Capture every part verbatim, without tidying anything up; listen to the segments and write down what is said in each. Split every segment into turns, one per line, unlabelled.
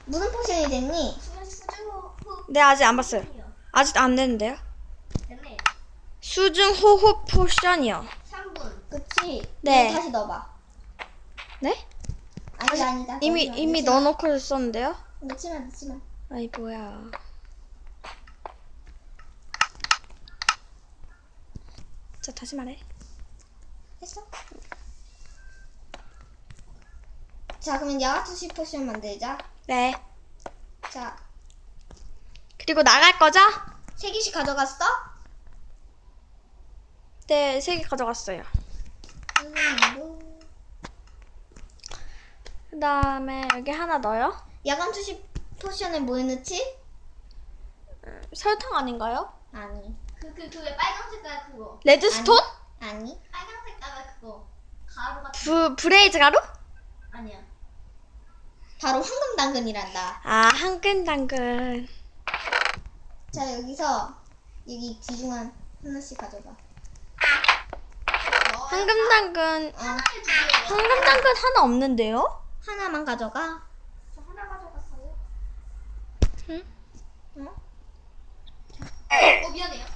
무슨 포션이 됐니?
수중 호
네, 아직 안 봤어요. 아직 안 됐는데요.
됐네.
수중 호흡 포션이요.
삼 분.
그치?
네.
이거 다시 넣어봐.
네?
아니 아니다.
이미
넣지 마,
이미
넣지 마.
넣어놓고 썼는데요.
넣지 마 넣지 마.
아이 뭐야. 자 다시 말해.
했어? 자 그러면 야가투시 포션 만들자.
네.
자
그리고 나갈 거죠?
세 개씩 가져갔어?
네, 세 개 가져갔어요.
음,
그 다음에 여기 하나 넣어요.
야간 투시 포션에 뭐 넣지?
설탕 아닌가요?
아니
그그 그 왜 빨간 색깔 그거.
레드스톤?
아니
빨간 색깔 그거. 가루 같은.
부 브레이즈 가루?
아니야.
바로 황금 당근이란다.
아, 한근 당근.
자 여기서 여기 귀중한 하나씩 가져가.
황금 당근.
어
하나에 두 개예요.
황금 당근 하나 없는데요?
하나만 가져가.
저 하나 가져갔어요.
응?
어?
어 미안해요.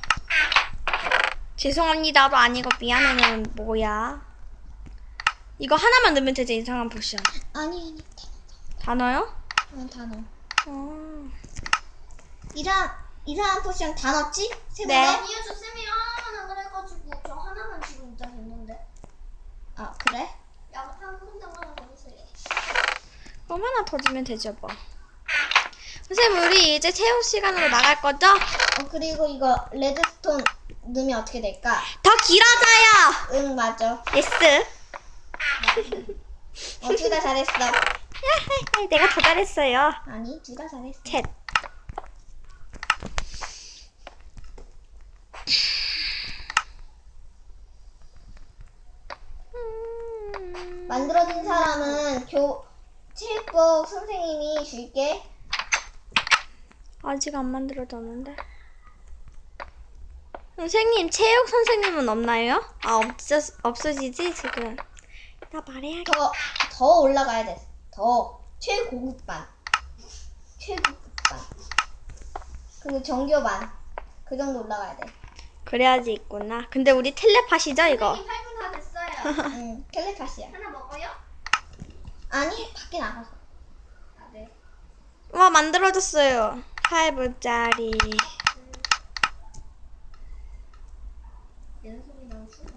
죄송합니다도 아니고 미안해는 뭐야? 이거 하나만 넣으면 되지. 이상한 포션.
아니 아니
다 넣어요?
다, 다 넣어.
어.
이상 이상한 포션 다 넣었지? 세
네.
번에?
아니요 저 쌤이 하나만 그래가지고 저 하나만 지금 일단 됐는데.
아 그래?
야 한분 당근 하나 넣으세요.
그럼 하나 더 주면 되죠 뭐. 선생님 우리 이제 체육 시간으로 나갈 거죠?
어 그리고 이거 레드스톤 넣으면 어떻게 될까?
더 길어져요.
응 맞아.
예스.
어 둘 다 잘했어.
내가 더 잘했어요.
아니 둘 다 잘했어.
챗.
만들어진 사람은 교 체육복 선생님이 줄게.
아직 안 만들어졌는데. 선생님 체육 선생님은 없나요? 아 없어 없어지지 지금. 나 말해야겠다.
더 더 올라가야 돼. 더 최고급반. 최고급반. 그리고 정교반. 그 정도 올라가야 돼.
그래야지 있구나. 근데 우리 텔레파시죠 이거?
선생님 팔 분 다 됐어요.
응 텔레파시야.
하나 먹어요?
아니 밖에 나가서.
아 네.
와 만들어졌어요. 팔 분짜리.
연속이 너무 싫어.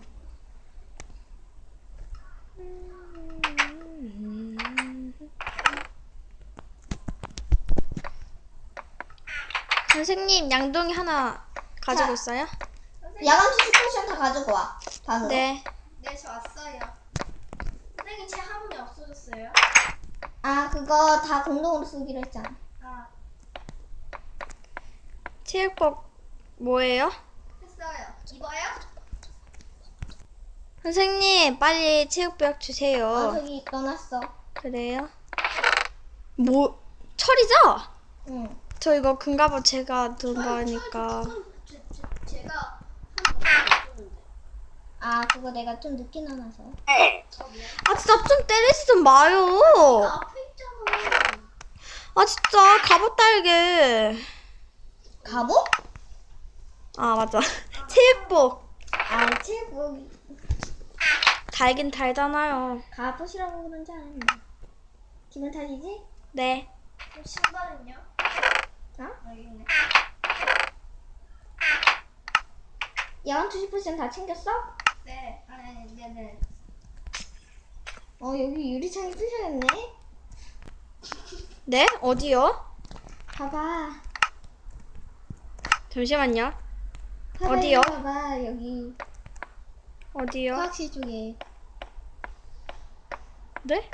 선생님 양동이 하나 가지고
자.
있어요?
선생님.
야간 투시 포션 다 가지고 와. 방으로.
네.
네, 저 왔어요. 선생님, 제 화분이 없어졌어요.
아 그거 다 공동으로 쓰기로 했잖아.
아,
체육복 뭐예요?
했어요. 입어요?
선생님 빨리 체육복
어
주세요.
저기 넣어놨어.
그래요? 뭐 철이죠?
응.
저 이거 금갑옷 제가 든 거니까.
제, 제, 제가 한번 없어졌는데.
아 그거 내가 좀 늦게 넣어놔서.
저 미안.
아 진짜 좀 때리지 좀 마요.
앞에 있잖아.
아 진짜 갑옷 달게.
갑옷?
아 맞아. 체육복
아 체육복
달긴 달잖아요.
갑옷이라고 그런지 아는데. 기분 탓이지?
네.
그럼 신발은요?
어?
여기 있네.
야간 투시 포션 다 챙겼어?
네, 아니, 아니, 네, 네.
어 여기 유리창이 뚫려있네.
네? 어디요?
봐봐.
잠시만요.
봐봐,
어디요?
여기 봐봐 여기
어디요?
화학실 쪽에.
네?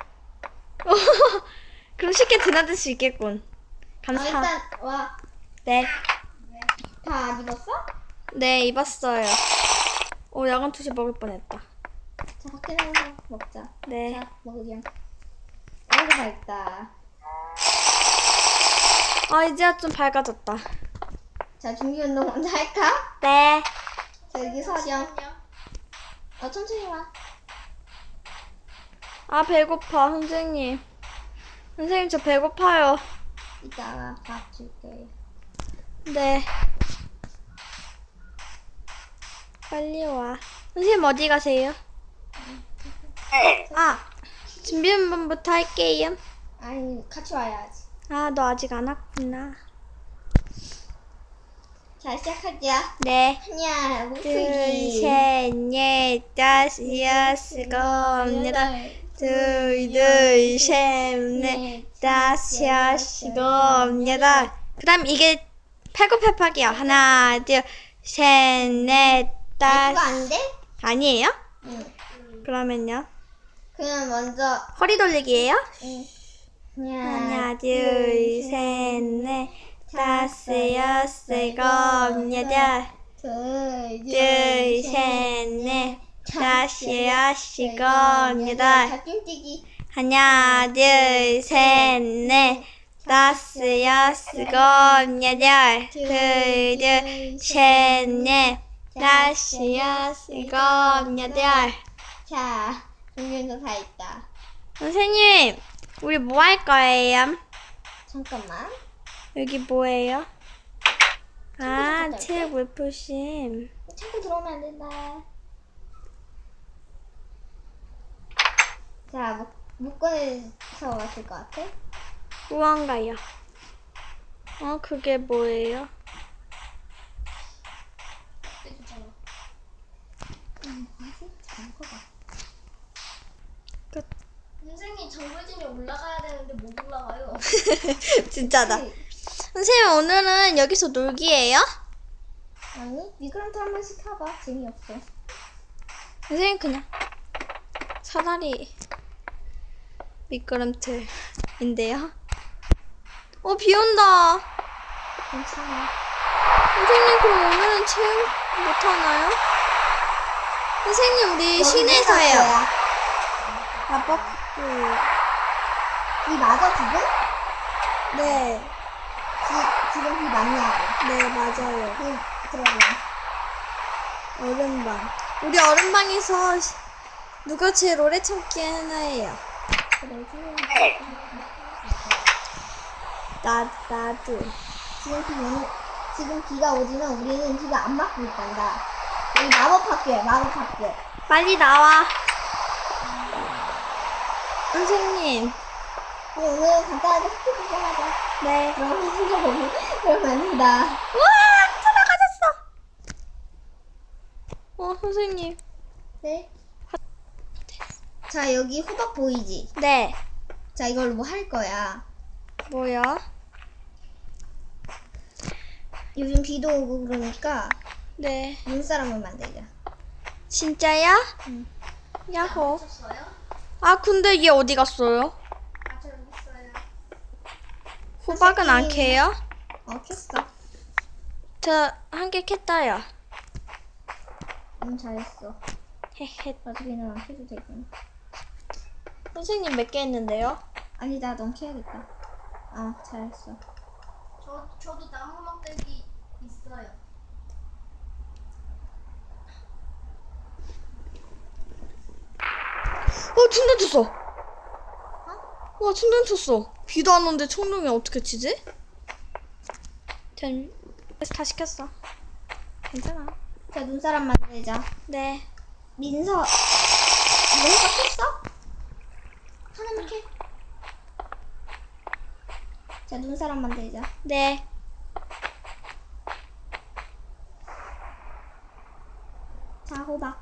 그럼 쉽게 드나들 수 있겠군.
아
감사.
일단 와.
네.
네.
다 안 입었어?
네, 입었어요. 오, 야간 투시 먹을 뻔했다.
자 밖에 나가서 먹자.
네.
자 먹으렴. 아이고 밝다.
아, 이제야 좀 밝아졌다.
자 준비 운동 먼저 할까?
네.
자 여기 서렴.
잠시만요.
어 천천히 와.
아, 배고파, 선생님. 선생님, 저 배고파요.
이따가 밥 줄게요.
네. 빨리 와. 선생님 어디 가세요? 아, 준비 한번부터 할게요.
아니, 같이 와야지.
아, 너 아직 안 왔구나.
자, 시작할게요.
네.
하나,
둘,
목소리.
셋, 넷, 다섯, 여섯, 일곱, 여덟. 둘, 둘, 셋, 넷, 다섯, 여섯, 일곱, 여덟. 그 다음 이게 팔굽혀펴기요. 하나, 둘, 셋, 넷,
아, 그거
다섯.
안 돼?
아니에요?
응.
그러면요.
그냥 먼저,
허리 돌리기예요?
응.
하나, 둘, 셋, 넷, 다섯, 여섯, 일곱, 여덟.
둘,
둘, 셋, 넷, 다섯, 여섯, 일곱, 여덟.
자, 뚱뛰기.
하나, 둘, 셋, 넷, 다섯, 여섯, 일곱, 여덟. 둘, 둘, 셋, 넷, 다섯, 여섯, 일곱, 여덟.
자, 종류도 다 있다.
선생님, 우리 뭐 할 거예요?
잠깐만.
여기 뭐예요? 아,
잠깐
책 물품심.
자꾸 들어오면 안 된다. 자, 목, 묶어내서 왔을 것 같아?
무언가요? 어, 그게 뭐예요?
음, 뭐지? 잘 먹어봐.
끝.
선생님 정글진이 올라가야 되는데 못 올라가요.
진짜다. 선생님, 오늘은 여기서 놀기예요?
아니, 미끄럼틀 한 번씩 타봐. 재미없어.
선생님, 그냥 차라리 미끄럼틀인데요. 어, 비 온다.
괜찮아.
선생님, 그럼 오늘은 체험 못하나요? 선생님, 우리 시내에서 해요. 마법 학교.
비 맞아, 지금?
네,
지, 지금 비 맞냐고.
네, 맞아요.
비 들어봐.
얼음방. 우리 얼음방에서 시- 누가 제일 오래 참기 하나예요?
그래, 지금.
나, 나도.
지금 비 오는, 지금 비가 오지만 우리는 비가 안 맞고 있단다. 여기 마법 학교야, 마법 학교.
빨리 나와. 선생님.
우리 오늘 간단하게 학교 구경하자.
네.
그러면 진짜 너무, 그러면 안 된다.
우와! 돌아가셨어! 어, 선생님.
네. 자, 여기 호박 보이지?
네.
자, 이걸로 뭐 할 거야?
뭐야?
요즘 비도 오고 그러니까
네.
눈사람을 만들자.
진짜야?
응.
야호.
쳤어요?
아, 근데 얘 어디 갔어요?
아, 저 여기 있어요.
호박은 안
선생님.
캐요?
어, 켰어.
저 한 개 캤다요.
응, 잘했어.
헤헤.
어차피 는 안 켜도 되구나.
선생님 몇 개 했는데요?
아니다, 넌 켜야겠다. 아, 잘했어.
저 저도 나무 막대기 있어요.
어, 충전 쳤어. 와, 충전 쳤어. 비도 안 오는데 충전이 어떻게 치지? 전 그래서 다 시켰어. 괜찮아.
자, 눈사람 만들자.
네.
민서, 너 호박 켰어? 하나만 켜. 자, 눈사람 만들자.
네.
자, 호박.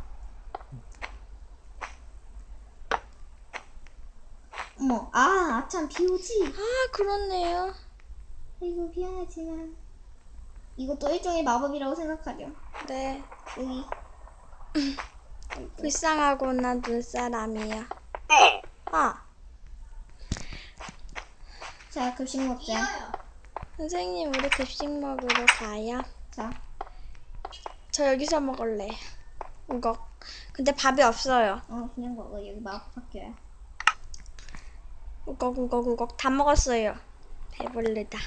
어머, 아, 아참, 비 오지?
아, 그렇네요.
아이고, 미안하지만. 이것도 일종의 마법이라고 생각하렴.
네.
여기.
불쌍하구나, 눈사람이야. 아,
자, 급식 먹자.
이어요.
선생님, 우리 급식 먹으러 가요.
자,
저 여기서 먹을래. 우걱. 근데 밥이 없어요.
어, 그냥 먹어. 여기 마법 학교야.
우걱, 우걱, 우걱. 다 먹었어요. 배불르다.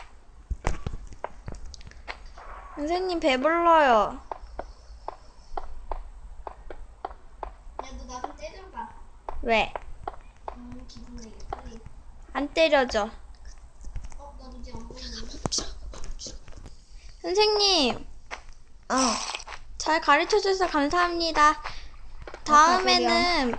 선생님, 배불러요.
야, 너 나 좀 때려봐.
왜?
음, 기분 내게 빨리.
안 때려져.
어, 너 이제 안 보이는데.
선생님,
어.
잘 가르쳐 주셔서 감사합니다. 다음에는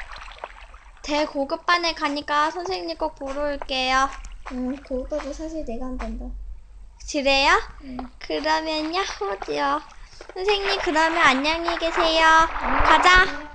대고급반에 가니까 선생님 꼭 보러 올게요.
응, 그것도 사실 내가 한단다.
그래요?
응.
그러면요, 호지요. 선생님, 그러면 안녕히 계세요. 가자.